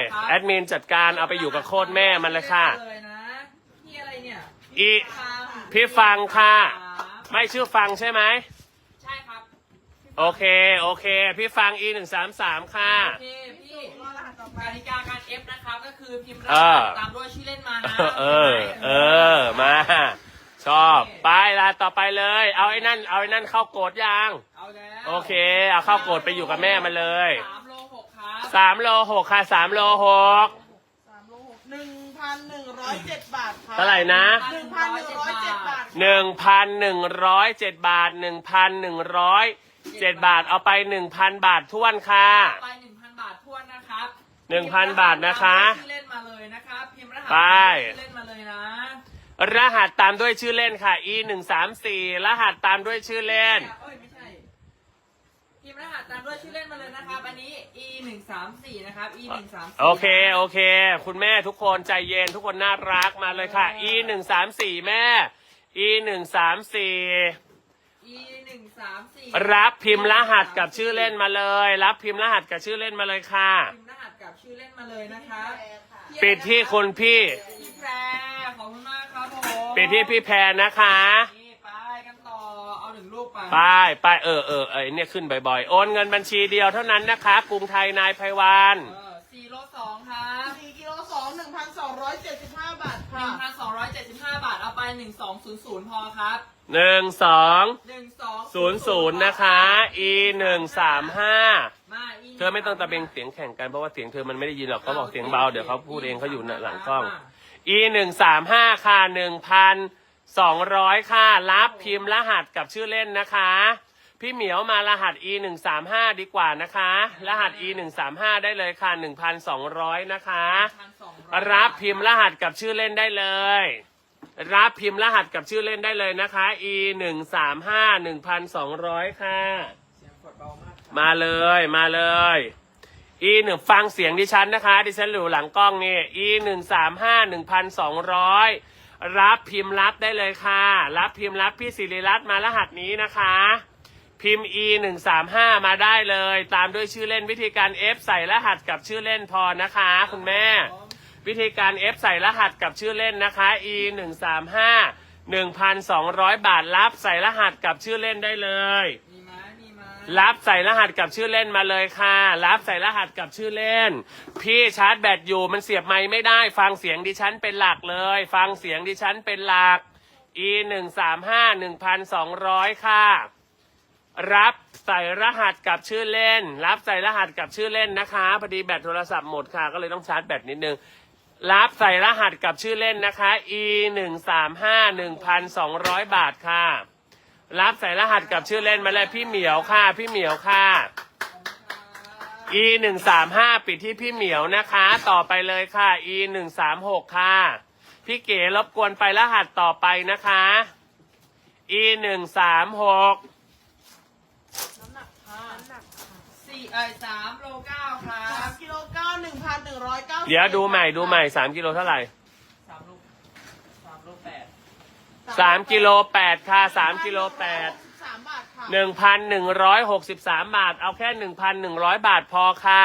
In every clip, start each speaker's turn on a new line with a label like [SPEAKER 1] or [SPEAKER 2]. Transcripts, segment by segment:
[SPEAKER 1] แอดมินจัดการเอาไปอยู่กับโคตรแม่มันเลยค่ะ
[SPEAKER 2] พี่อะไรเนี่ย
[SPEAKER 1] พี่ฟังค่ะไม่ชื่อฟังใช่ไหม
[SPEAKER 2] ใช่ครับ
[SPEAKER 1] โอเคพี่ฟัง E133 ค่ะ
[SPEAKER 2] โอเคพี่กติกาการ F นะครับก็คือพิมพ์รหัสตามด้วยชื่อเล่นมานะ
[SPEAKER 1] มาชอบไปละต่อไปเลยเอาไอ้นั่นเข้าโกดยัง
[SPEAKER 2] เอาแล้ว
[SPEAKER 1] โอเคเอาเข้าโกดไปอยู่กับแม่มันเลย
[SPEAKER 2] 3 โล 6ครับ
[SPEAKER 1] 3 โล 6ค่ะ3 โล 6
[SPEAKER 3] 1,107 บาทค่ะ
[SPEAKER 1] เท่าไหร่นะ
[SPEAKER 3] 1,107 บาท
[SPEAKER 1] 1,107 บาท 1,107 บาทเอาไป 1,000 บาทท้วนค่ะ
[SPEAKER 2] ไป 1,000 บาทท้วนนะครับ
[SPEAKER 1] 1,000 บาทนะคะ
[SPEAKER 2] ชื่อเล่นมาเลยนะครับพิมพ์รหัส
[SPEAKER 1] ไป
[SPEAKER 2] ชื่อเล่นมาเลยนะ
[SPEAKER 1] รหัสตามด้วยชื่อเล่นค่ะ E134 รหัสตามด้วยชื่อเล่น
[SPEAKER 2] ไม่ใช่พิมพ์รหัสตามด้วยชื่อเล่นมาเลยนะครับอันนี้ E134 นะครับ E134
[SPEAKER 1] โอเคคุณแม่ทุกคนใจเย็นทุกคนน่ารักมาเลยค่ะ E134 แม่ E134 รับพิมพ์รหัสกับชื่อเล่นมาเลยรับพิมพ์รหัสกับชื่อเล่นมาเลยค่ะ
[SPEAKER 2] พิมพ์รหัสกับชื่อเล่นมาเลยนะคะ
[SPEAKER 1] ปิดที่คุณพี่
[SPEAKER 2] แพรขอบคุณมากครับผม
[SPEAKER 1] ปิดที่พี่แพรนะคะ
[SPEAKER 2] นี่ไปกันต่อเอา1 ลูกไป
[SPEAKER 1] เนี่ยขึ้นบ่อยๆโอนเงินบัญชีเดียวเท่านั้นนะคะกรุงไทยนายไพวัน
[SPEAKER 2] 4 โล 2ครับ
[SPEAKER 3] 4 กิโล 2 1,275 บาทค่ะ
[SPEAKER 2] 1,275 บาทเอาไป1200พอครับ
[SPEAKER 1] 1200นะคะ E135เธอไม่ต้องตะเบงเสียงแข่งกันเพราะว่าเสียงเธอมันไม่ได้ยินหรอกเขาบอกเสียงเบาเดี๋ยวเขาพูดเองเขาอยู่หลังกล้อง E135 ค่ะ 1,200ค่ะรับพิมพ์รหัสกับชื่อเล่นนะคะพี่เหมียวมารหัส E135 ดีกว่านะคะรหัส E135 ได้เลยค่ะ 1,200นะคะรับพิมพ์รหัสกับชื่อเล่นได้เลยรับพิมพ์รหัสกับชื่อเล่นได้เลยนะคะ E135 1,200 ค่ะมาเลยE1ฟังเสียงดิฉันนะคะดิฉันอยู่หลังกล้องนี่ E135 1,200 รับพิมพ์รับได้เลยค่ะรับพิมพ์รับพี่ศิริรัตน์มารหัสนี้นะคะพิมพ์ E135 มาได้เลยตามด้วยชื่อเล่นวิธีการ F ใส่รหัสกับชื่อเล่นพอนะคะคุณแม่วิธีการ F ใส่รหัสกับชื่อเล่นนะคะ E135 1,200 บาทรับใส่รหัสกับชื่อเล่นได้เลยรับใส่รหัสกับชื่อเล่นมาเลยค่ะรับใส่รหัสกับชื่อเล่นพี่ชาร์จแบตอยู่มันเสียบไมค์ไม่ได้ฟังเสียงดิฉันเป็นหลักเลยฟังเสียงดิฉันเป็นหลัก E135 1,200 ค่ะรับใส่รหัสกับชื่อเล่นรับใส่รหัสกับชื่อเล่นนะคะพอดีแบตโทรศัพท์หมดค่ะก็เลยต้องชาร์จแบตนิดนึงรับใส่รหัสกับชื่อเล่นนะคะ E135 1,200 บาทค่ะรับใส่รหัสกับชื่อเล่นมาเลยพี่เหมียวค่ะพี่เหมียวค่ะ E135 ปิดที่พี่เหมียวนะคะต่อไปเลยค่ะ E136 ค่ะพี่เก๋รบกวนไปรหัสต่อไปนะคะ E136
[SPEAKER 2] 3 โล 9ครับ
[SPEAKER 3] 3 กิโล 9 1,190
[SPEAKER 1] เดี๋ยวดูใหม่3 กิโลเท่าไหร่
[SPEAKER 2] 3 โล 8
[SPEAKER 1] 3 กิโล 8ค่ะ3 กิโล 8 1,163 บาทเอาแค่ 1,100 บาทพอค่ะ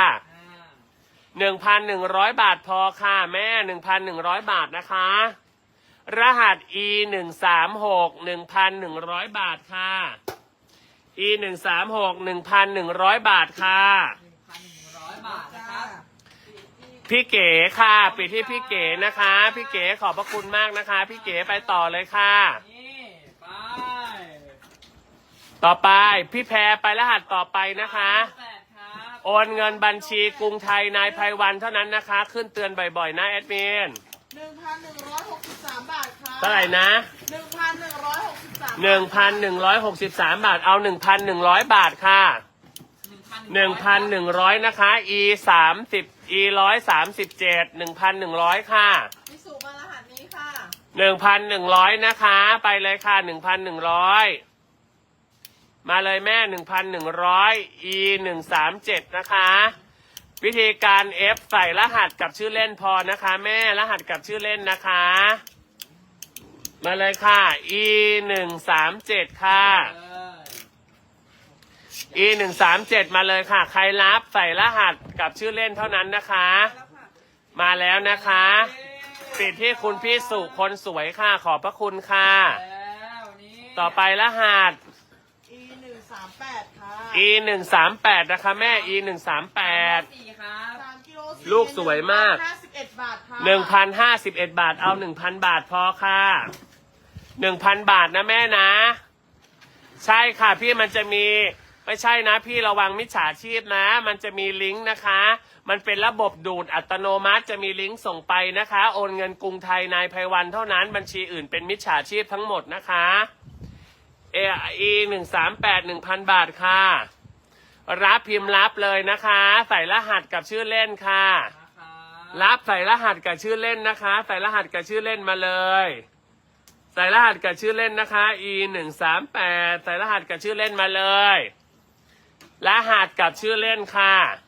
[SPEAKER 1] 1,100 บาทพอค่ะแม่ 1,100 บาทนะคะรหัส E136 1,100 บาทค่ะ E136 1,100 บาทค่ะ
[SPEAKER 2] 1,100 บาทนะครับ
[SPEAKER 1] พี่เก๋ค่ะปิดที่พี่เก๋นะคะพี่เก๋ขอบพระคุณมากนะคะพี่เก๋ไปต่อเลยค่ะต่อไปพี่แพรไปรหัสต่อไปนะคะโอนเงินบัญชีกรุงไทยนายไพวันเท่านั้นนะคะขึ้นเตือนบ่อยๆนะแอดมิน
[SPEAKER 3] 1,163 บาทค่ะ
[SPEAKER 1] เท่าไหร่นะ1,163 บาทเอา 1,100 บาทค่ะ 1,100 นะคะ E30 E137 1,100 ค่ะ
[SPEAKER 3] พี่สุมารหัสนี้ค่ะ
[SPEAKER 1] 1,100 นะคะไปเลยค่ะ 1,100 มาเลยแม่ 1,100 E137 นะคะวิธีการ F ใส่รหัสกับชื่อเล่นพอนะคะแม่รหัสกับชื่อเล่นนะคะมาเลยค่ะ E137 ค่ะ E137 มาเลยค่ะใครรับใส่รหัสกับชื่อเล่นเท่านั้นนะคะมาแล้วนะคะปิดที่คุณพี่สุคนสวยค่ะขอบพระคุณค่ะ
[SPEAKER 2] แล้วนี่
[SPEAKER 1] ต่อไปรหัส
[SPEAKER 3] E138 ค่ะ
[SPEAKER 1] E138 นะคะแม่ E138
[SPEAKER 2] สี่ครับ
[SPEAKER 3] 3กิโล
[SPEAKER 1] ลูกสวยมาก
[SPEAKER 3] 1,051 บาทค่ะ
[SPEAKER 1] 1,051 บาทเอา 1,000 บาทพอค่ะ 1,000 บาทนะแม่นะ ใช่ค่ะพี่มันจะมีไม่ใช่นะพี่ระวังมิจฉาชีพนะ มันจะมีลิงก์นะคะ มันเป็นระบบดูดอัตโนมัติจะมีลิงก์ส่งไปนะคะ โอนเงินกรุงไทยนายไพวันเท่านั้นบัญชีอื่นเป็นมิจฉาชีพทั้งหมดนะคะE138 1,000 บาทค่ะ รับพิมพ์รับเลยนะคะ ใส่รหัสกับชื่อเล่นค่ะ
[SPEAKER 2] นะครับ
[SPEAKER 1] รับใส่รหัสกับชื่อเล่นนะคะ ใส่รหัสกับชื่อเล่นมาเลย ใส่รหัสกับชื่อเล่นนะคะ E138 ใส่รหัสกับชื่อเล่นมาเลย รหัสกับชื่อเล่นค่ะ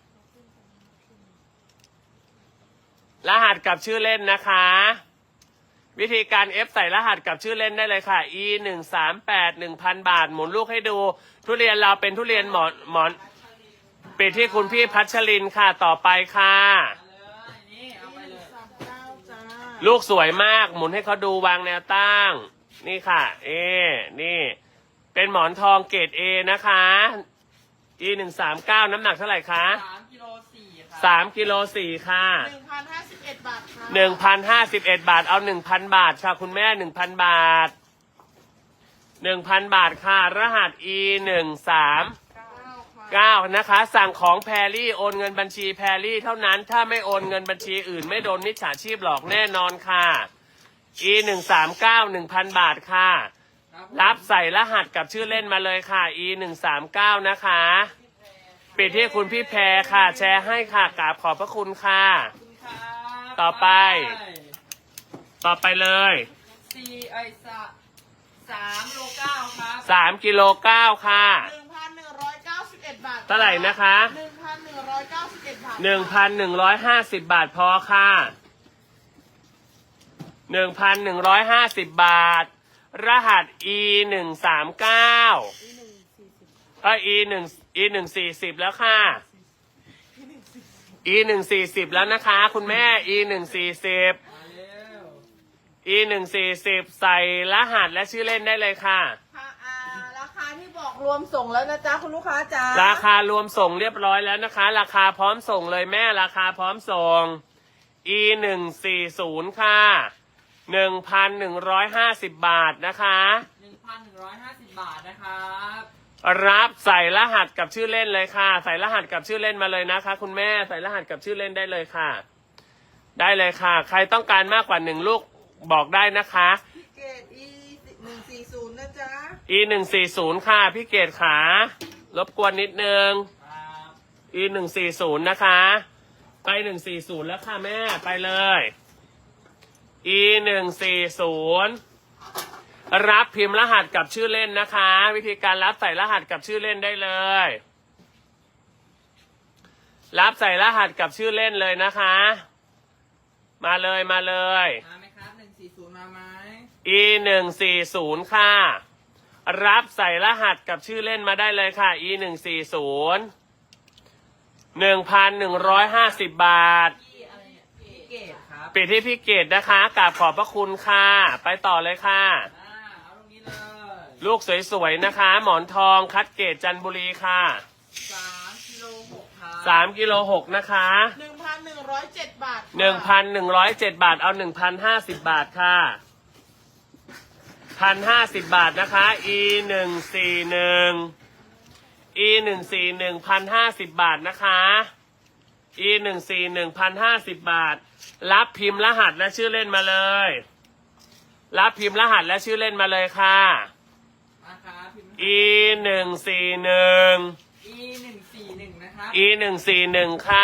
[SPEAKER 1] รหัสกับชื่อเล่นนะคะ วิธีการ F ใส่รหัสกับชื่อเล่นได้เลยค่ะ E138 1,000 บาทหมุนลูกให้ดู ทุเรียนเราเป็นทุเรียนหมอนปิดที่คุณพี่พัชรินค่ะต่อไปค่ะ
[SPEAKER 2] มาเลยนี่เอาไปเลย
[SPEAKER 3] 39จ้า
[SPEAKER 1] ลูกสวยมากหมุนให้เขาดูวางแนวตั้ง นี่ค่ะนี่ เป็นหมอนทองเกรด A นะคะ E139 น้ำหนักเท่าไหร่คะ
[SPEAKER 2] 3 กิโล 4ครับ
[SPEAKER 1] 3 กิโล 4 ค่ะ
[SPEAKER 3] 1,051 บาทค่ะ
[SPEAKER 1] 1,051 บาทเอา 1,000 บาทค่ะคุณแม่ 1,000 บาท 1,000 บาทค่ะ รหัส E139 นะคะ สั่งของแพรรี่โอนเงินบัญชีแพรรี่เท่านั้น ถ้าไม่โอนเงินบัญชีอื่นไม่โดนมิจฉาชีพหลอกแน่นอนค่ะ E139 1,000 บาทค่ะ รับใส่รหัสกับชื่อเล่นมาเลยค่ะ E139 นะคะ ปิดที่คุณพี่แพรค่ะ แชร์ให้ค่ะกราบขอบพระคุณค่ะ
[SPEAKER 2] ขอบคุณครับ
[SPEAKER 1] ต่อไป ต่อไปเลย
[SPEAKER 2] 3 โล 9ครับ
[SPEAKER 1] 3 กิโล 9 ค่ะ
[SPEAKER 3] 1,191 บาท
[SPEAKER 1] เท่าไหร่นะคะ
[SPEAKER 3] 1,191 บาท
[SPEAKER 1] 1,150 บาทพอค่ะ 1,150 บาท รหัส E139 E140 แล้วค่ะ E140 แล้วนะคะ คุณแม่ E140
[SPEAKER 2] มาเร็ว
[SPEAKER 1] E140 ใส่รหัสและชื่อเล่นได้เลยค่ะ
[SPEAKER 3] ค่ะราคาที่บอกรวมส่งแล้วนะจ๊ะคุณลูกค้าจ๋า
[SPEAKER 1] ราคารวมส่งเรียบร้อยแล้วนะคะ ราคาพร้อมส่งเลยแม่ราคาพร้อมส่ง E140 ค่ะ 1,150 บาทนะคะ
[SPEAKER 2] 1,150 บาทนะครับ
[SPEAKER 1] รับใส่รหัสกับชื่อเล่นเลยค่ะ ใส่รหัสกับชื่อเล่นมาเลยนะคะ คุณแม่ใส่รหัสกับชื่อเล่นได้เลยค่ะ ได้เลยค่ะ ใครต้องการมากกว่า1ลูกบอกได้นะคะ
[SPEAKER 3] พี่เกด E140 นะจ๊ะ
[SPEAKER 1] E140 ค่ะพี่เกดขารบกวนนิดนึง
[SPEAKER 2] ครับ
[SPEAKER 1] E140 นะคะ ไป140แล้วค่ะแม่ไปเลย E140 รับพิมพ์รหัสกับชื่อเล่นนะคะ วิธีการรับใส่รหัสกับชื่อเล่นได้เลย รับใส่รหัสกับชื่อเล่นเลยนะคะ มาเลยมาเลย
[SPEAKER 2] มาไหมครับ 140 มาไหม
[SPEAKER 1] E140 ค่ะ รับใส่รหัสกับชื่อเล่นมาได้เลยค่ะ E140 1,150 บาท
[SPEAKER 2] พี่อะไรเนี่ยพี่เกดครับ
[SPEAKER 1] ปิดที่พี่เกดนะคะกราบขอบพระคุณค่ะ ไปต่อเลยค่ะ
[SPEAKER 2] เอาตรงนี้เลย
[SPEAKER 1] ลูกสวยๆนะคะ หมอนทองคัดเกรดจันทบุรีค่ะ
[SPEAKER 2] 3 กิโล 6ครับ
[SPEAKER 1] 3 กิโล 6 นะคะ
[SPEAKER 3] 1,107 บาทค่ะ
[SPEAKER 1] 1,107 บาทเอา 1,050 บาทค่ะ 1,050 บาทนะคะ E141 1,050 บาทนะคะ E141 1,050 บาท รับพิมพ์รหัสและชื่อเล่นมาเลย รับพิมพ์รหัสและชื่อเล่นมาเลยค่ะ
[SPEAKER 2] มาครับพิมพ์
[SPEAKER 1] E141
[SPEAKER 2] E141 นะครับ
[SPEAKER 1] E141 ค่ะ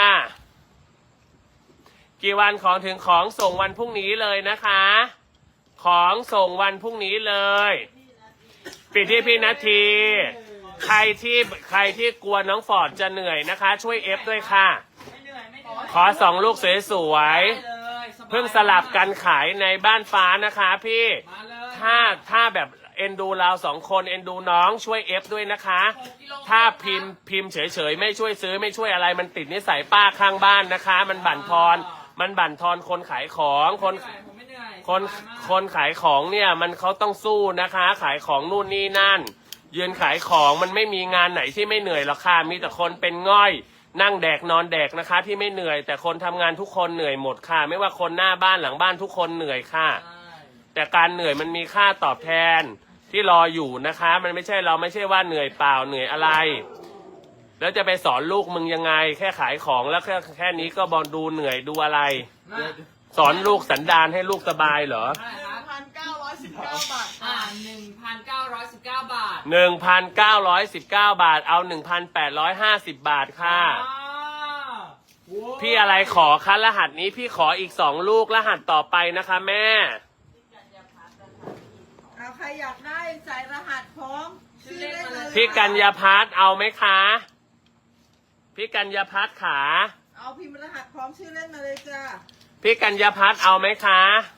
[SPEAKER 1] กี่วันของถึงของส่งวันพรุ่งนี้เลยนะคะ ของส่งวันพรุ่งนี้เลย ปิดที่พี่นาที ใครที่กลัวน้องฟอร์ดจะเหนื่อยนะคะ ช่วยเอฟด้วยค่ะ
[SPEAKER 2] ไม่เหนื่อยไม่เหนื่อย
[SPEAKER 1] ขอ2 ลูกสวย
[SPEAKER 2] ได้เลยสบาย
[SPEAKER 1] ๆ เพิ่งสลับกันขายในบ้านฟ้านะคะพี่
[SPEAKER 2] มาเลย
[SPEAKER 1] ถ้าแบบเอ็นดูเรา2 คนเอ็นดูน้องช่วยเอฟด้วยนะคะ
[SPEAKER 2] 6 กิโล
[SPEAKER 1] ถ้าพิมพ์เฉยๆไม่ช่วยซื้อไม่ช่วยอะไรมันติดนิสัยป้าข้างบ้านนะคะ มันบั่นทอนมันบั่นทอนคนขายของ
[SPEAKER 2] ผมไม่เหนื่อย
[SPEAKER 1] คน
[SPEAKER 2] สบายมาก
[SPEAKER 1] คนขายของเนี่ยมันเขาต้องสู้นะคะ ขายของนู่นนี่นั่น ยืนขายของมันไม่มีงานไหนที่ไม่เหนื่อยหรอกค่ะมีแต่คนเป็นง่อย นั่งแดกนอนแดกนะคะ ที่ไม่เหนื่อย แต่คนทำงานทุกคนเหนื่อยหมดค่ะ ไม่ว่าคนหน้าบ้านหลังบ้านทุกคนเหนื่อยค่ะ
[SPEAKER 2] ใช่
[SPEAKER 1] แต่การเหนื่อยมันมีค่าตอบแทนที่รออยู่นะคะ มันไม่ใช่เราไม่ใช่ว่าเหนื่อยเปล่าเหนื่อยอะไร แล้วจะไปสอนลูกมึงยังไง แค่ขายของแล้วแค่นี้ก็บอลดูเหนื่อยดูอะไร
[SPEAKER 2] มา
[SPEAKER 1] สอนลูกสันดานให้ลูกสบายเหรอ
[SPEAKER 2] เท่าไหร่ครับ
[SPEAKER 3] 1,919 บาท
[SPEAKER 2] 1,919 บาท
[SPEAKER 1] 1,919 บาทเอา 1,850 บาทค่ะ
[SPEAKER 2] ว้าวโว้ย
[SPEAKER 1] พี่อะไรขอคะรหัสนี้พี่ขออีก2ลูกรหัสต่อไปนะคะแม่
[SPEAKER 3] เอาใครอยากได้ใส่รหัสพร้อมชื่อเล่นมาเลย
[SPEAKER 1] พี่กัญญาพัฒน์เอาไหมคะ พี่กัญญาพัฒน์ขา
[SPEAKER 3] เอาพิมพ์รหัสพร้อมชื่อเล่นมาเลยจ้า
[SPEAKER 1] พี่กัญญาพัฒน์เอาไหมคะ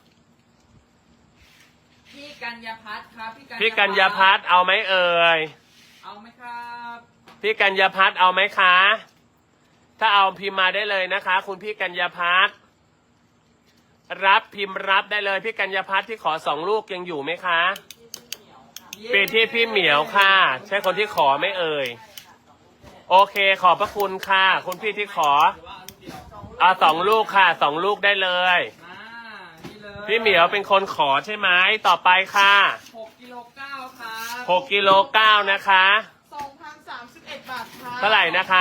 [SPEAKER 2] พี่กัญญาพัฒน์ครับ
[SPEAKER 1] พี่กัญญาพัฒน์เอาไหมเอ่ย
[SPEAKER 2] เอาไหมครับ
[SPEAKER 1] พี่กัญญาพัฒน์เอาไหมคะ ถ้าเอาพิมพ์มาได้เลยนะคะ คุณพี่กัญญาพัฒน์รับพิมพ์รับได้เลยพี่กัญญาพัฒน์ที่ขอ2ลูกยังอยู่ไหมคะเป็นที่พี่เหมียวค่ะ ใช่คนที่ขอไหม่เอ่ย โอเคขอบพระคุณค่ะ คุณพี่ที่ขอ
[SPEAKER 2] หรือว่าเอาลูกเดียว
[SPEAKER 1] เอา2ลูกค่ะ2ลูกได้เลย
[SPEAKER 2] นี่เลย
[SPEAKER 1] พี่เหมียวเป็นคนขอใช่ไหมต่อไปค่ะ
[SPEAKER 2] 6กิโลเก้าครับ
[SPEAKER 1] 6กิโล9นะคะ
[SPEAKER 3] 2,031 บาทค่ะ
[SPEAKER 1] เท่าไหร่นะคะ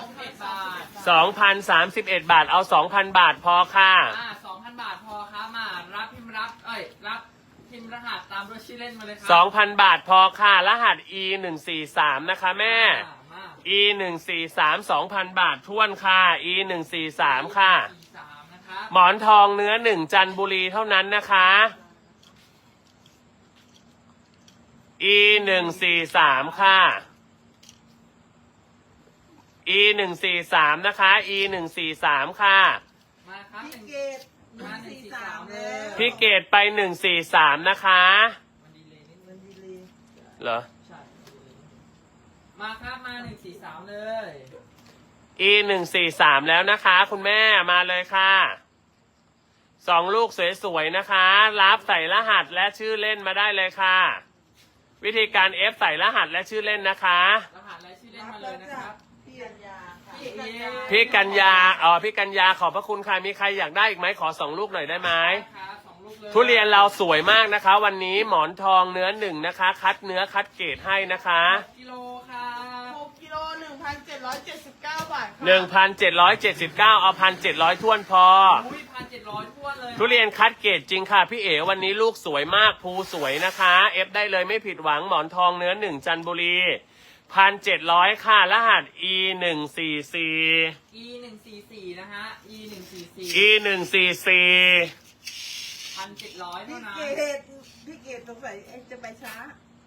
[SPEAKER 2] 2,031 บาท
[SPEAKER 1] 2,031 บาทเอา 2,000 บาทพอค่ะ
[SPEAKER 2] 2,000 บาทพอครับมารับพิมพ์รับรับพิมพ์รหัสตามด้วยชื่อเล่นมาเลยครั
[SPEAKER 1] 2,000 บาทพอค่ะ รหัส E 143นะคะแม่
[SPEAKER 2] มา
[SPEAKER 1] E 143 2,000 บาทท้วนค่ะ E 143ค่ะ
[SPEAKER 2] 43นะครับ
[SPEAKER 1] หมอนทองเนื้อ1จันทบุรีเท่านั้นนะคะ E 143ค่ะ E 143นะคะ E 143ค่ะ
[SPEAKER 2] มาครับ
[SPEAKER 3] พี่เกด143แล้ว
[SPEAKER 1] พี่เกดไป143นะคะ
[SPEAKER 2] มันดีเลยนิดนึ
[SPEAKER 3] มั
[SPEAKER 2] ง
[SPEAKER 3] นดีเลย
[SPEAKER 1] เหรอ
[SPEAKER 2] ใช่มาครับมา143เลย
[SPEAKER 1] E 143แล้วนะคะ คุณแม่มาเลยค่ะ2ลูกสวยๆนะคะ รับใส่รหัสและชื่อเล่นมาได้เลยค่ะ วิธีการ F ใส่รหัสและชื่อเล่นนะคะ
[SPEAKER 2] รหัสและชื่อเล่น
[SPEAKER 3] รับ
[SPEAKER 2] มาเล
[SPEAKER 3] แล้ว
[SPEAKER 2] ยนะ
[SPEAKER 3] จ้ะ
[SPEAKER 2] ครับ
[SPEAKER 3] พี่กัญญาค่ะ
[SPEAKER 2] พี่กัญญา
[SPEAKER 1] พี่กัญญาพี่กัญญาขอบพระคุณค่ะมีใครอยากได้อีกไหมขอ2ลูกหน่อยได้ไหม
[SPEAKER 2] ครับ2ลูกเลย
[SPEAKER 1] ทุเรียนเราสวยมากนะคะ วันนี้หมอนทองเนื้อ1นะคะ คัดเนื้อคัดเกรดให้นะคะ
[SPEAKER 2] กิโลครับ
[SPEAKER 3] 6กิโล1,779 บาทค่ะ
[SPEAKER 1] 1,779เอา1,700ท้วนพอ
[SPEAKER 2] อุ้ย1,700ทั่วเลย
[SPEAKER 1] ทุเรียนคัดเกรดจริงค่ะพี่เอ๋วันนี้ลูกสวยมากภูสวยนะคะเอฟได้เลยไม่ผิดหวังหมอนทองเนื้อ1จันทบุรี1,700ค่ะรหัส E 144
[SPEAKER 2] E144นะฮะ E144
[SPEAKER 1] E 144
[SPEAKER 2] 1,700
[SPEAKER 3] พี่
[SPEAKER 2] เท่านั้น
[SPEAKER 3] เกดพี่เกดสงสัยจะไปช้า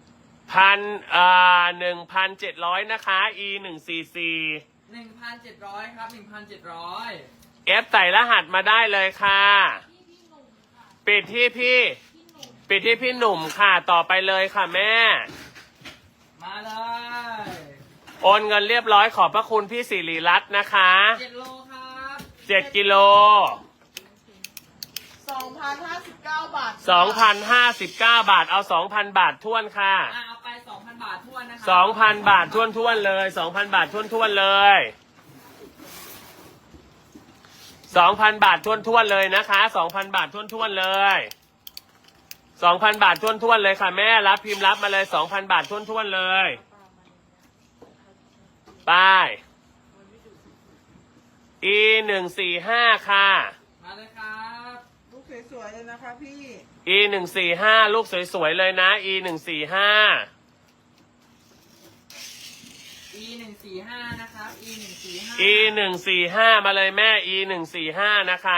[SPEAKER 1] 1,700นะคะ E 144
[SPEAKER 2] 1,700ครับ 1,700
[SPEAKER 1] เอฟใส่รหัสมาได้เลยค่ะปิดที่พี่หนุ่มค่ะต่อไปเลยค่ะแม่
[SPEAKER 2] มาเลย
[SPEAKER 1] โอนเงินเรียบร้อยขอบพระคุณพี่สิริรัตน์นะคะ
[SPEAKER 2] 7โลครับ
[SPEAKER 1] 7กิโล
[SPEAKER 3] 2,059 บาท
[SPEAKER 1] 2,059 บาทเอา 2,000 บาทท้วนค่ะ
[SPEAKER 2] เอาไป 2,000 บาททั่วนะครั
[SPEAKER 1] 2,000 บาทท้วนเลย 2,000 บาทท้วนเลย 2,000 บาทท้วนเลยนะคะ 2,000 บาทท้วนเลย 2,000 บาทท้วนเลยค่ะแม่รับพิมพ์รับมาเลย 2,000 บาทท้วนเลยไป E 145ค่ะ
[SPEAKER 2] มาเลยครับ
[SPEAKER 3] ลูกสวยๆเลยนะคะพี่
[SPEAKER 1] E 145ลูกสวยๆเลยนะ E 145
[SPEAKER 2] E145นะครับ E145
[SPEAKER 1] E 145มาเลยแม่ E 145นะคะ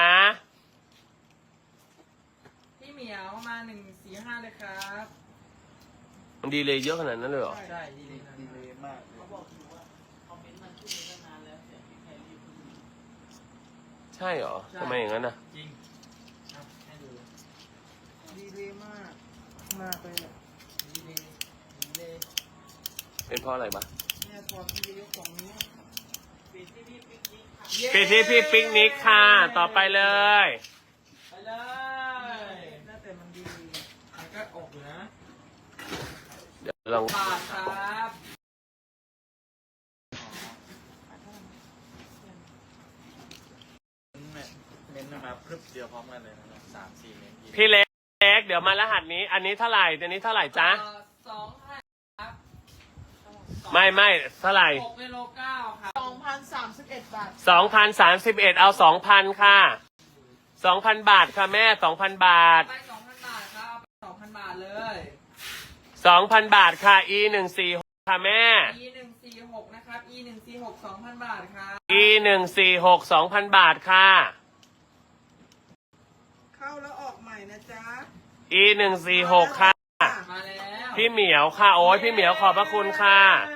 [SPEAKER 2] พี่เหมียวมา145เลยครับ
[SPEAKER 1] มันดีเลยเยอะขนาดนั้นเลยเหรอ
[SPEAKER 2] ใช่ดีเลยนะ
[SPEAKER 4] ดีเลยมากเลย
[SPEAKER 3] เขาบอกอยู่ว่าคอมเมนต์มันขึ้นมาตั้งนานแล้วแต่พี่ใครรีบ
[SPEAKER 1] ใช่เหรอทำไมอย่างนั้นน่ะ
[SPEAKER 2] จริงครับให้ดู
[SPEAKER 3] ดีเลยมาก มากเลยอะ
[SPEAKER 2] ดีเลยดีเลย
[SPEAKER 1] เป็นเพราะอะไรบ้า
[SPEAKER 3] เนี่ยพอพี่จะยกของนี้
[SPEAKER 2] ปิ
[SPEAKER 1] ปิดที่พี่ปิกนิกค่ะ ต่อไปเลย
[SPEAKER 2] ไปเลยน่าแต่มันดีมันก็อกอยู่นะ
[SPEAKER 1] เดี๋ยวลอง
[SPEAKER 2] บาทครับ
[SPEAKER 4] เน้นมาพรึบเดียวพร้อมกันเลยนะครับ3-4เน้น
[SPEAKER 1] พี่เล็กเดี๋ยวมารหัสนี้ อันนี้เท่าไหร่อันนี้เท่าไหร่จ๊ะ
[SPEAKER 2] 2,000ครับ
[SPEAKER 1] ไม่เท่าไหร่
[SPEAKER 2] 6เมโล9ครับ
[SPEAKER 3] 2,031 บาท
[SPEAKER 1] 2,031 เอา 2,000 ค่ะ 2,000 บาทค่ะแม่ 2,000 บาท
[SPEAKER 2] ไป 2,000 บาทครับเอาไป 2,000 บาทเลย
[SPEAKER 1] 2,000 บาทค่ะ E146 ค่ะแม่
[SPEAKER 2] E146 นะครับ E146 2,000 บาทครับ
[SPEAKER 1] E146 2,000 บาทค่ะ
[SPEAKER 3] เข้าแล้วออกใหม่นะจ๊ะ
[SPEAKER 1] E146 ค่ะ
[SPEAKER 2] มาแล้ว
[SPEAKER 1] พี่เหมียวค่ะ โอ้ยพี่เหมียวขอบพระคุณค่ะ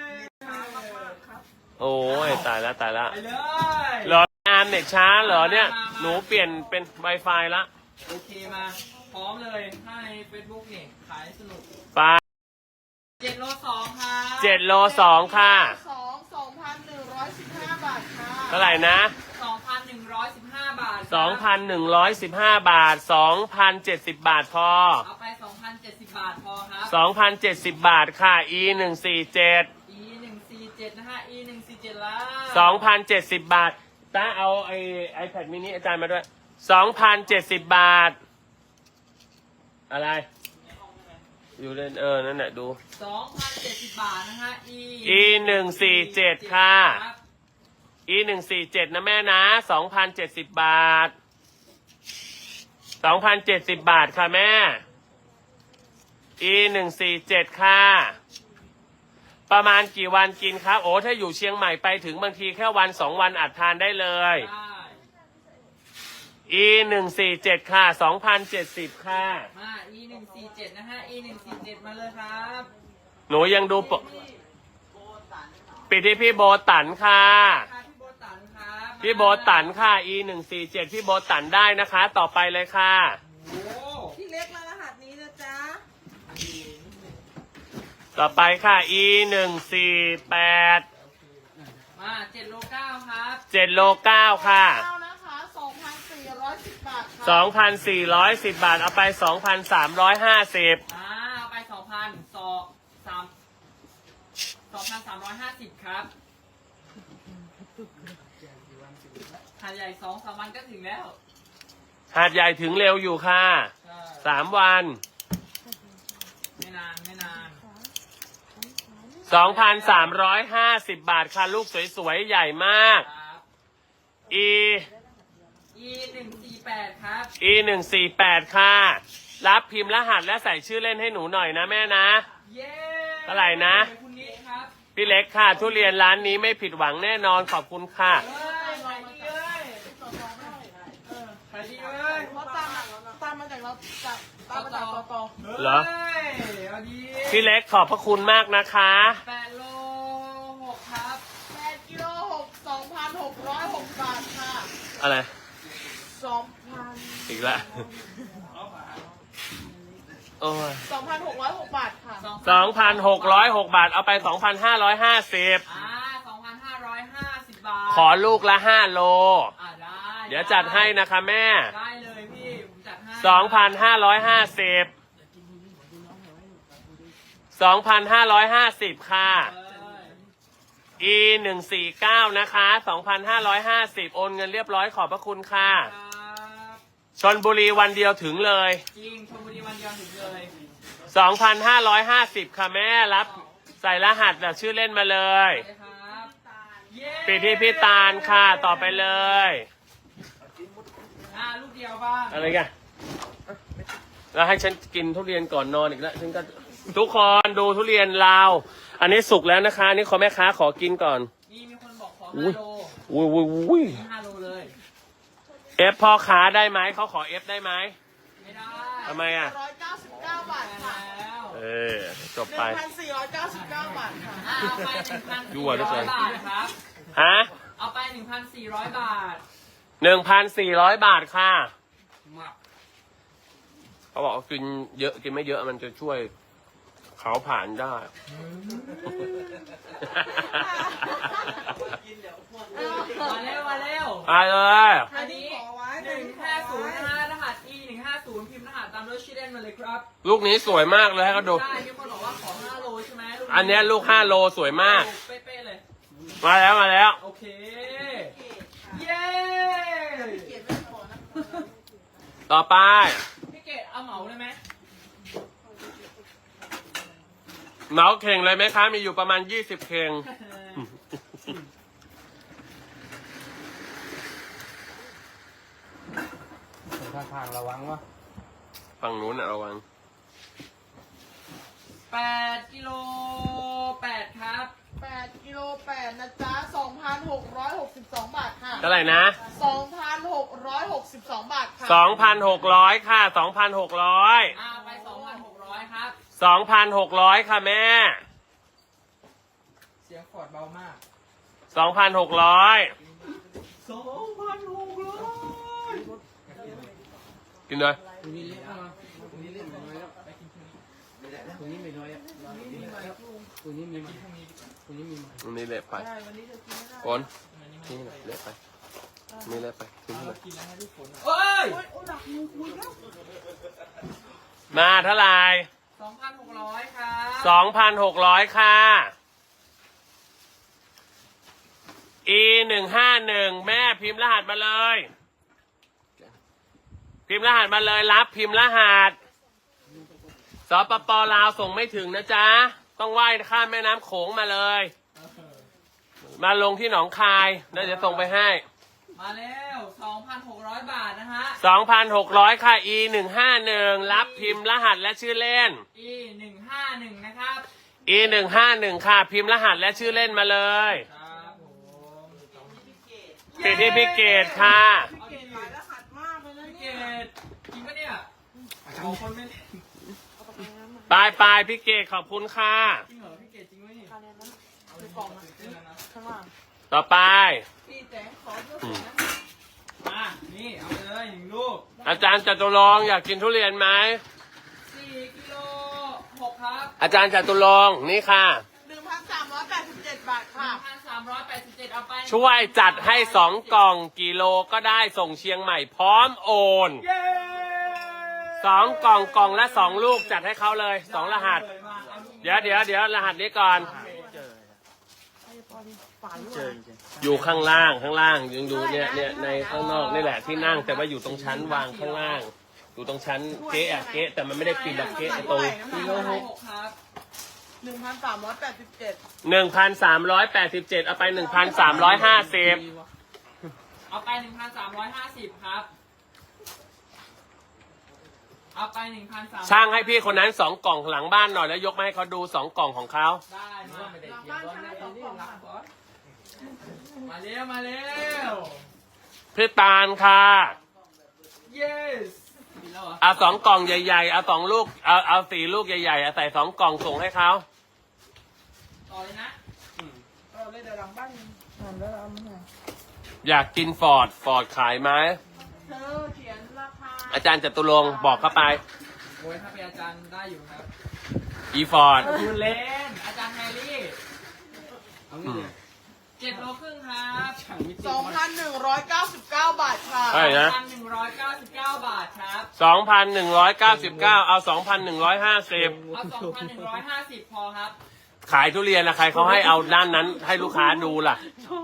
[SPEAKER 1] โอ้ยตายแล้ว
[SPEAKER 2] ไปเลย
[SPEAKER 1] เหรออาร์มเน็ตช้าเหรอเนี่ย หนูเปลี่ยนเป็น Wi-Fi ละ
[SPEAKER 2] โอเคมา พร้อมเลยถ้าใน Facebook นี่ขายสนุก
[SPEAKER 1] ไป
[SPEAKER 2] 7 โล 2 ครับ
[SPEAKER 1] 7 โล 2 ค่ะ
[SPEAKER 3] 2,115 บาทค่ะ
[SPEAKER 1] เท่าไหร่นะ
[SPEAKER 2] 2,115 บาท
[SPEAKER 1] 2,115 บาท 2,070 บาทพอ
[SPEAKER 2] เอาไป 2,070 บาทพอครับ
[SPEAKER 1] 2,070 บาทค่ะ E147
[SPEAKER 2] E147 นะฮะ E147 แล้ว
[SPEAKER 1] 2,070 บาทตาเอาไอ iPad mini อาจารย์มาด้วย 2,070 บาท อะไร อยู่เล่นนั่นแหละดู
[SPEAKER 2] 2,070 บาทนะฮะ
[SPEAKER 1] E147 ค่ะ E147 นะแม่นะ 2,070 บาท 2,070 บาทค่ะแม่ E147 ค่ะ ประมาณกี่วันกินครับ โอ้ถ้าอยู่เชียงใหม่ไปถึงบางทีแค่วัน2 วันอัดทานได้เลย
[SPEAKER 2] ได้
[SPEAKER 1] E147 ค่ะ 2,070 ค่ะ
[SPEAKER 2] มา E147 นะฮะ E147 มาเลยครับ
[SPEAKER 1] หนูยังดูปกปิดที่พี่โบตันค่ะ
[SPEAKER 2] ค่ะพี่โบตันครับ
[SPEAKER 1] พี่โบตันค่ะ E147 พี่โบตันได้นะคะ ต่อไปเลยค่ะ
[SPEAKER 2] โอ้
[SPEAKER 3] พี่เล็กแล้วรหัสนี้นะจ๊ะ
[SPEAKER 1] ต่อไปค่ะ E148
[SPEAKER 2] มา 7 โล 9 ครับ
[SPEAKER 1] 7 โล 9 ค่ะ
[SPEAKER 3] เข้านะคะ 2,410 บาทค่ะ
[SPEAKER 1] 2,410 บาท เอาไป 2,350
[SPEAKER 2] เอาไป 2,350 ครับหาดใหญ่ 2-3 วันก็ถึงแล้ว
[SPEAKER 1] หาดใหญ่ถึงเร็วอยู่ค่ะ
[SPEAKER 2] ใช่
[SPEAKER 1] 3 วัน
[SPEAKER 2] ไม่นานไม่นาน
[SPEAKER 1] 2,350 บาทค่ะ ลูกสวยๆ ใหญ่มาก
[SPEAKER 2] ครับ E148 ครับ
[SPEAKER 1] E148 ค่ะ รับพิมพ์รหัสและใส่ชื่อเล่นให้หนูหน่อยนะแม่นะ
[SPEAKER 2] เย้
[SPEAKER 1] เท่าไหร่นะ
[SPEAKER 2] คุณนิดครับ
[SPEAKER 1] พี่เล็กค่ะ ทุเรียนร้านนี้ไม่ผิดหวังแน่นอนขอบคุณค่ะ
[SPEAKER 2] เอ้ยขายดีเลยขายดีเลย
[SPEAKER 3] เพราะตามมาจากเราจากตามมาจากต
[SPEAKER 1] เหรอ
[SPEAKER 2] ฮ้ยเอาดี
[SPEAKER 1] พี่เล็กขอบพระคุณมากนะคะ
[SPEAKER 2] 8 โล 6 ครับ
[SPEAKER 3] 8กิโล6 2,606 บาทค่ะ
[SPEAKER 1] อะไร
[SPEAKER 3] 2,000
[SPEAKER 1] อีกละโอ้ย
[SPEAKER 3] 2,606 บาทค่ะ
[SPEAKER 1] 2,606 บาท เอาไป 2,550
[SPEAKER 2] 2,550 บาท
[SPEAKER 1] ขอลูกละ 5 โล
[SPEAKER 2] ได้
[SPEAKER 1] เดี๋ยวจัดให้นะคะแม่
[SPEAKER 2] ได้เลยพี่ ผมจัดให้
[SPEAKER 1] 2,550 2,550 ค่ะ E149 นะคะ 2,550 โอนเงินเรียบร้อยขอบพระคุณค่ะ
[SPEAKER 2] ครับ
[SPEAKER 1] ชลบุรีวันเดียวถึงเลย
[SPEAKER 2] จริงชลบุรีวันเดียวถึงเลย
[SPEAKER 1] 2,550 ค่ะแม่รับใส่รหัสแบบชื่อเล่นมาเลย
[SPEAKER 2] ไปครับเย้
[SPEAKER 1] ปิดที่พี่ตาลค่ะต่อไปเลย
[SPEAKER 2] ลูกเดียวบ้าง
[SPEAKER 1] อะไรกันแล้วให้ฉันกินทุเรียนก่อนนอนอีกแล้วฉันก็ทุกคนดูทุเรียนลาว อันนี้สุกแล้วนะคะอันนี่ขอแม่ค้าขอกินก่อน
[SPEAKER 2] มีคนบอกขอ
[SPEAKER 1] อุ้ย
[SPEAKER 2] 5 โล
[SPEAKER 1] อุ้ย
[SPEAKER 2] 5 โลเลย
[SPEAKER 1] เอฟพ่อค้าได้ไหมเขาขอเอฟได้ไหม
[SPEAKER 2] ไม่ได้
[SPEAKER 1] ทำไมอ่ะ
[SPEAKER 3] 199 บาทค่ะ
[SPEAKER 2] แล้ว
[SPEAKER 1] จบไป
[SPEAKER 3] 1,499 บาทค่ะ
[SPEAKER 2] เอาไป
[SPEAKER 1] ยั่วเหลือเกิน
[SPEAKER 2] 1,400 บาทครับ
[SPEAKER 1] ฮะ
[SPEAKER 2] เอาไป 1,400 บาท
[SPEAKER 1] 1,400 บาทค่ะ
[SPEAKER 2] มา
[SPEAKER 1] เขาบอกว่ากินเยอะกินไม่เยอะมันจะช่วยเขาผ่านได้
[SPEAKER 3] เอา
[SPEAKER 2] มาเร็วมาเร็ว
[SPEAKER 1] มาเลย
[SPEAKER 2] อันนี้150นะฮะรหัส E 150พิมพ์รหัสตามด้วยชื่อเล่นมาเลยครับ
[SPEAKER 1] ลูกนี้สวยมากเลยให้เขาดู
[SPEAKER 2] ได้มีคนบอกว่าขอ5โลใช่ไหมลูก
[SPEAKER 1] อันเนี้ยลูก5โลสวยมาก
[SPEAKER 2] เป๊ะๆเลย
[SPEAKER 1] มาแล้วมาแล้ว
[SPEAKER 2] โอเค เย้
[SPEAKER 3] เกียรติไม่พอนะ
[SPEAKER 1] ต่อไป
[SPEAKER 2] พี่เกดเอาเหมาเลยไหม
[SPEAKER 1] เหมาเข่งเลยไหมคะ มีอยู่ประมาณ20เข่ง
[SPEAKER 5] ข้างๆระวังวะ
[SPEAKER 1] ฝั่งนู้นน่ะระวัง
[SPEAKER 2] 8 กิโล 8 ครับ
[SPEAKER 3] 8 กิโล 8 นะจ๊ะ 2,662 บาทค่ะ
[SPEAKER 1] เท่าไหร่นะ
[SPEAKER 3] 2,662 บาทค่ะ
[SPEAKER 1] 2,600 ค่ะ 2,600
[SPEAKER 2] ไป 2,600 ครับ
[SPEAKER 1] 2,600 ค่ะแม่
[SPEAKER 2] เสียงขอดเบามาก
[SPEAKER 1] 2,600
[SPEAKER 2] 2,600
[SPEAKER 1] กินเลย
[SPEAKER 5] ตรงนี้เล็กมาตรงนี้เล็กน้อยแล้วตรงนี้ไม่น้อยอ่ะตรงนี้มีตรงนี้มี
[SPEAKER 1] อันนี้เละไป
[SPEAKER 3] ใช่ วันนี้จะกินไม่ได้
[SPEAKER 1] โอนทิ้งหน่อยเละไปนี่เละไปทิ้งหน่อย
[SPEAKER 2] กินแล้วให้ทุกคนเฮ้ย
[SPEAKER 3] โอ๊ยโอ้หลักมือคุยแล้ว
[SPEAKER 1] มาเท่าไหร่
[SPEAKER 2] 2,600 ครับ
[SPEAKER 1] 2,600 ค่ะ E 151แม่พิมพ์รหัสมาเลย พิมพ์รหัสมาเลยรับพิมพ์รหัสสปปลาวส่งไม่ถึงนะจ๊ะ ต้องว่ายข้ามแม่น้ำโขงมาเลย มาลงที่หนองคายแล้วจะส่งไปให้
[SPEAKER 2] มาแล้ว 2,600 บาทนะฮะ
[SPEAKER 1] 2,600 ค่ะ E 151รับพิมพ์รหัสและชื่อเล่น
[SPEAKER 2] E 151นะครับ
[SPEAKER 1] E 151ค่ะ พิมพ์รหัสและชื่อเล่นมาเลย
[SPEAKER 2] ครับผม
[SPEAKER 1] ติดที่พิเกตค่ะ
[SPEAKER 3] พี่เกดหลายรหัสมากเลยนะ
[SPEAKER 2] พี่เก
[SPEAKER 3] เนี่ย
[SPEAKER 2] ดจริงปะเนี่ยเอาคนไม่เล่น
[SPEAKER 1] ปลายพิเกตขอบคุณค่ะ
[SPEAKER 2] จริงเหรอพี่เกดจริงไหมนี่
[SPEAKER 3] อันนี้นะคือกล่องนะ
[SPEAKER 2] จริงแล้วนะ
[SPEAKER 3] ข้างล่าง
[SPEAKER 1] ต่อไป
[SPEAKER 3] พี่แตงขอเยอะกว่านั้น
[SPEAKER 2] มานี่เอาไปเลย1ลูก
[SPEAKER 1] อาจารย์จตุรงค์อยากกินทุเรียนไหม
[SPEAKER 2] 4 กิโล 6 ครับ
[SPEAKER 1] อาจารย์จตุรงค์นี่ค่ะ
[SPEAKER 3] 1,387 บาทค่ะ
[SPEAKER 2] 1,387 เอาไป
[SPEAKER 1] ช่วยจัดให้2 กล่องกิโลก็ได้ส่งเชียงใหม่พร้อมโอน
[SPEAKER 2] เย้
[SPEAKER 1] 2 กล่องละ2 ลูกจัดให้เขาเลย2 รหัส เดี๋ยวรหัสนี้ก่อน
[SPEAKER 4] เจอจริง
[SPEAKER 1] อยู่ข้างล่างยังดูเนี่ยในข้างนอกนี่แหละที่นั่งแต่ว่าอยู่ตรงชั้นวางข้างล่าง อยู่ตรงชั้นเก๊ะแต่มันไม่ได้ปิดแบบเก๊ะไอ้ตรง
[SPEAKER 2] กิโล 6 ครับ
[SPEAKER 3] 1,387
[SPEAKER 1] 1,387เอาไป 1,350
[SPEAKER 2] เอาไป 1,350 ครับ เอาไป 1,300
[SPEAKER 1] ช่างให้พี่คนนั้น2 กล่องหลังบ้านหน่อยแล้วยกมาให้เขาดู2 กล่องของเขา
[SPEAKER 2] ได้มา
[SPEAKER 3] หลังบ้านชั้นละ2 กล่องค่ะ
[SPEAKER 2] มาเร็ว มาเร็ว
[SPEAKER 1] พี่ตาลค่ะ
[SPEAKER 2] yes มีแล้วเหรอ
[SPEAKER 1] เอา2 กล่องใหญ่ๆเอา2 ลูกเอา4 ลูกใหญ่ๆใส่2 กล่องส่งให้เขา
[SPEAKER 2] ต่อเลยนะ
[SPEAKER 3] เราเลยเดี๋ยวหลังบ้านหันแล้วเอามาให้
[SPEAKER 1] อยากกินฟอร์ดขายไหม
[SPEAKER 3] เธอเขียนราคา
[SPEAKER 1] อาจารย์จตุรงค์บอกเข้าไป
[SPEAKER 2] โอ้ยถ้าเป็นอาจารย์ได้อยู่ครับ
[SPEAKER 1] อีฟอร์ด
[SPEAKER 2] คุณเล่น อาจารย์แฮร์รี่
[SPEAKER 5] เอางี้เนี่ย
[SPEAKER 2] 7 โลครึ่งครับ
[SPEAKER 5] ช่างมิติ
[SPEAKER 3] 2,199 บาทค่ะ
[SPEAKER 1] ใช่นะ
[SPEAKER 2] 1,199 บาทครับ
[SPEAKER 1] 2,199 เอา 2,150
[SPEAKER 2] เอา 2,150 พอครับ
[SPEAKER 1] ขายทุเรียนนะใครเขาให้เอาด้านนั้นให้ลูกค้าดูล่ะ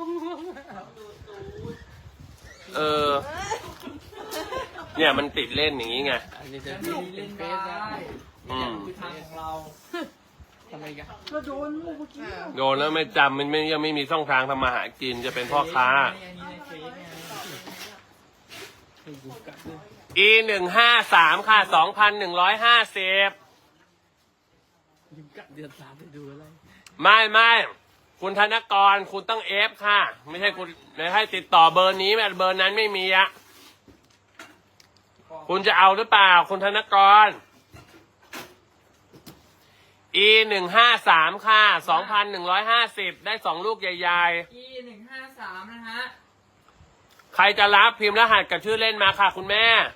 [SPEAKER 1] เนี่ยมันติดเล่นอย่างนี้ไง
[SPEAKER 5] อันนี้จะ
[SPEAKER 2] จะ
[SPEAKER 5] มี
[SPEAKER 2] มี
[SPEAKER 5] เป็
[SPEAKER 2] เล่
[SPEAKER 5] น
[SPEAKER 2] น
[SPEAKER 5] เฟ
[SPEAKER 2] ได้
[SPEAKER 5] ซได้
[SPEAKER 1] อืม
[SPEAKER 2] คือทางของเรา
[SPEAKER 5] ทำไมกัน
[SPEAKER 3] เราโดนลูกเมื่อกี้
[SPEAKER 1] โดนแล้วไม่จำมันไม่ยังไม่มีช่องทางทำมาหากินจะเป็นพ่อค้า
[SPEAKER 2] อันนี้ในเฟซไง
[SPEAKER 5] ให้ดูกัดด้วย
[SPEAKER 1] E 153ค่ะ 2,150
[SPEAKER 5] ดูกัดเดือน3ไปดูอะไร
[SPEAKER 1] ไม่คุณธนกรคุณต้องเอฟค่ะ ไม่ใช่คุณไม่ให้ติดต่อเบอร์นี้เบอร์นั้นไม่มีอะคุณจะเอาหรือเปล่าคุณธนกร E 153ค่ะ 2,150 ได้2 ลูกใหญ่
[SPEAKER 2] E 153นะฮะ
[SPEAKER 1] ๆ ใครจะรับพิมพ์รหัสกับชื่อเล่นมาค่ะ คุณแม่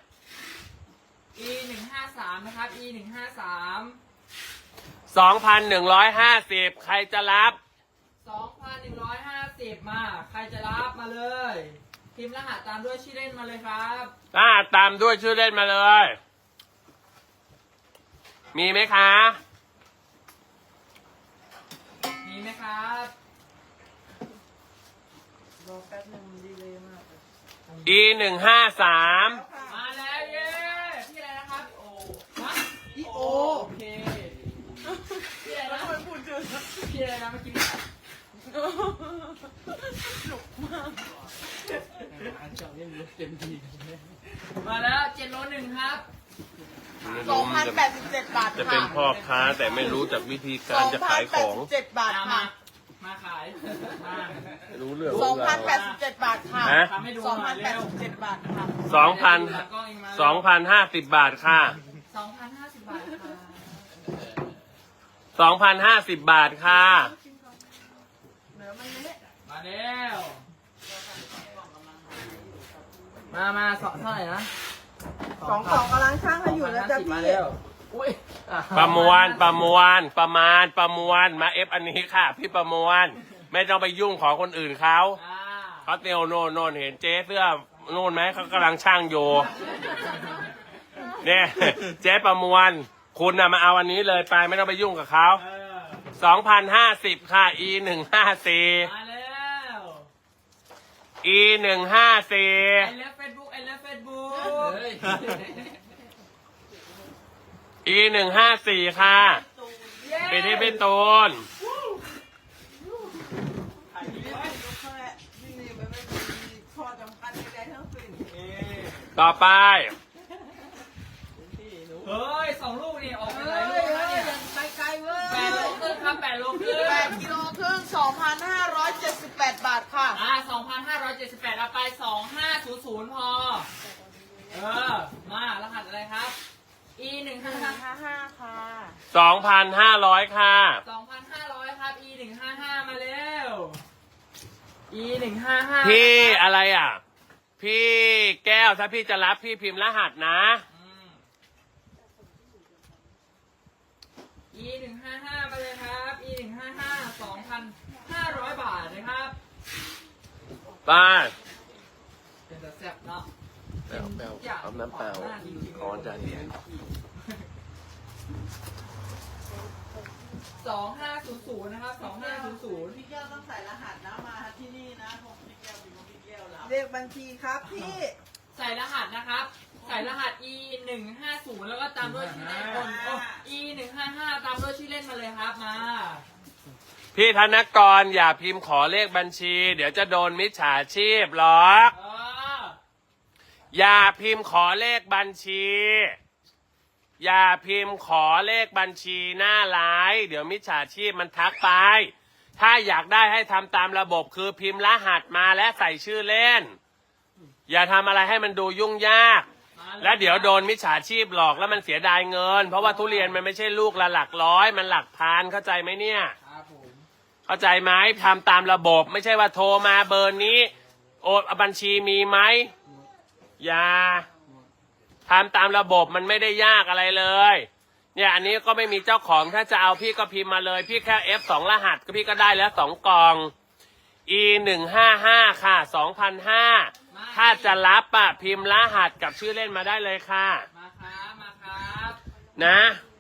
[SPEAKER 2] E 153นะครับ E 153
[SPEAKER 1] 2,150 ใครจะรับ
[SPEAKER 2] 2,150 30 มา ใครจะรับมาเลย พิมพ์รหัสตามด้วยชื่อเล่นมาเลยครับ
[SPEAKER 1] ตามด้วยชื่อเล่นมาเลย มีไหมคะ
[SPEAKER 2] มีไหมครับ
[SPEAKER 3] รอแป๊บนึงดีเลยมากเลย
[SPEAKER 1] E 153
[SPEAKER 2] มาแล้วเย้พี่อะไรนะครับโอฮะ
[SPEAKER 3] อีโอ
[SPEAKER 2] โอเคพี่อะไร
[SPEAKER 3] แล้ว
[SPEAKER 2] นะ
[SPEAKER 3] ทำไมพูดเจอ
[SPEAKER 2] พี่อะไรนะเมื่อกี้
[SPEAKER 5] อันเจาะเล่นรถเต็มที่กันเลย
[SPEAKER 2] มาแล้ว7โล1ครับ
[SPEAKER 3] 2,087 บาท
[SPEAKER 1] จะ
[SPEAKER 3] ค่ะ
[SPEAKER 1] เป็นพ่อค้าแต่ไม่รู้จักวิธีการจะขายของ
[SPEAKER 3] 2,087 บาท
[SPEAKER 2] มา
[SPEAKER 3] ค่ะ
[SPEAKER 2] มาขายมา
[SPEAKER 1] ไม่รู้เรื่อง
[SPEAKER 3] 2,087 บาทค่ะ
[SPEAKER 1] ฮะ
[SPEAKER 2] ทำให้ดูหน่อยเร็ว
[SPEAKER 3] 2,087 บาทค่ะ
[SPEAKER 1] 2,000
[SPEAKER 2] กล้องเองมา
[SPEAKER 1] 2,050 บาทค่ะ
[SPEAKER 2] 2,050 บาทค่ะ
[SPEAKER 1] 2,050 บาทค่ะ
[SPEAKER 3] เหนือมันเละ
[SPEAKER 2] มาแล้วมาสองเท่าไหร่นะ
[SPEAKER 3] 2กำลังช่างให้อยู่นะจ๊ะ
[SPEAKER 2] 2,050มา
[SPEAKER 3] พี่
[SPEAKER 2] แล้วอุ้ย
[SPEAKER 1] ประมวลมาเอฟอันนี้ค่ะ พี่ประมวลไม่ต้องไปยุ่งของคนอื่นเขา
[SPEAKER 2] อ่า
[SPEAKER 1] เขาเตียวโน่นเห็นเจ๊เสื้อโน่นไหมเขากำลังช่างอยู่เนี่ยเจ๊ประมวลคุณน่ะมาเอาอันนี้เลยไปไม่ต้องไปยุ่งกับเขา
[SPEAKER 2] เออ
[SPEAKER 1] 2,050 ค่ะ E 154
[SPEAKER 2] มาแล้ว
[SPEAKER 1] E 154
[SPEAKER 2] ไอเลิฟเฟซบุ๊กไอเลิฟเฟซบุ๊ก
[SPEAKER 5] เฮ้ย
[SPEAKER 1] E 154 ค่ะไปที่พี่ตูน ต่อไป
[SPEAKER 2] เฮ้ย2 ลูกนี่ออกไปหลายลูกแล้วเนี่ย
[SPEAKER 3] ไปไกลเว้ย
[SPEAKER 2] 8 โลครึ่งครับ8 โลครึ่ง
[SPEAKER 3] 8กิโลครึ่ง 2,578 บาทค่ะ
[SPEAKER 2] 2,578เอาไป 2,500 พอ เออ มารหัสอะไรครับ E 155
[SPEAKER 3] 55ค่ะ
[SPEAKER 1] 2,500 ค่ะ
[SPEAKER 2] 2,500 ครับ E 155มาเร็ว E 155
[SPEAKER 1] พี่อะไรอ่ะ พี่แก้วถ้าพี่จะรับพี่พิมพ์รหัสนะ
[SPEAKER 2] E 155ไปเลยครับ E 155 2,500 บาทนะครับ
[SPEAKER 1] ไป
[SPEAKER 2] เป็นแต่แซ่บเนาะ
[SPEAKER 1] แปลวเอาน้ำเปล่าขอจานเดียว
[SPEAKER 2] 2500นะครับ2500
[SPEAKER 3] พี่แก้วต้องใส่รหัสนะมาที่นี่นะผมพี่แก้วพี่แก้วรับเลขบัญชีครับพี่
[SPEAKER 2] ใส่รหัสนะครับ ใส่รหัส E 150แล้วก็ตามด้วยชื่อเล่นคนโอ้ E 155ตามด้วยชื่อเล่นมาเลยครับมา
[SPEAKER 1] พี่ธนกรอย่าพิมพ์ขอเลขบัญชี เดี๋ยวจะโดนมิจฉาชีพหรอก อย่าพิมพ์ขอเลขบัญชี อย่าพิมพ์ขอเลขบัญชีหน้าไลน์เดี๋ยวมิจฉาชีพมันทักไป ถ้าอยากได้ให้ทำตามระบบคือพิมพ์รหัสมาและใส่ชื่อเล่น อย่าทำอะไรให้มันดูยุ่งยาก และเดี๋ยวโดนมิจฉาชีพหลอกแล้วมันเสียดายเงิน เพราะว่าทุเรียนมันไม่ใช่ลูกละหลักร้อยมันหลักพันเข้าใจไหมเนี่ย
[SPEAKER 2] ครับผม
[SPEAKER 1] เข้าใจไหมทำตามระบบไม่ใช่ว่าโทรมาเบอร์นี้ โอนบัญชีมีไหมอย่าทำตามระบบมันไม่ได้ยากอะไรเลย เนี่ยอันนี้ก็ไม่มีเจ้าของถ้าจะเอาพี่ก็พิมพ์มาเลยพี่แค่ F2 รหัสก็พี่ก็ได้แล้ว2 กล่อง E 155ค่ะ 2,500ถ้าจะรับอ่ะพิมพ์รหัสกับชื่อเล่นมาได้เลยค่ะ
[SPEAKER 2] มาครับ
[SPEAKER 1] นะ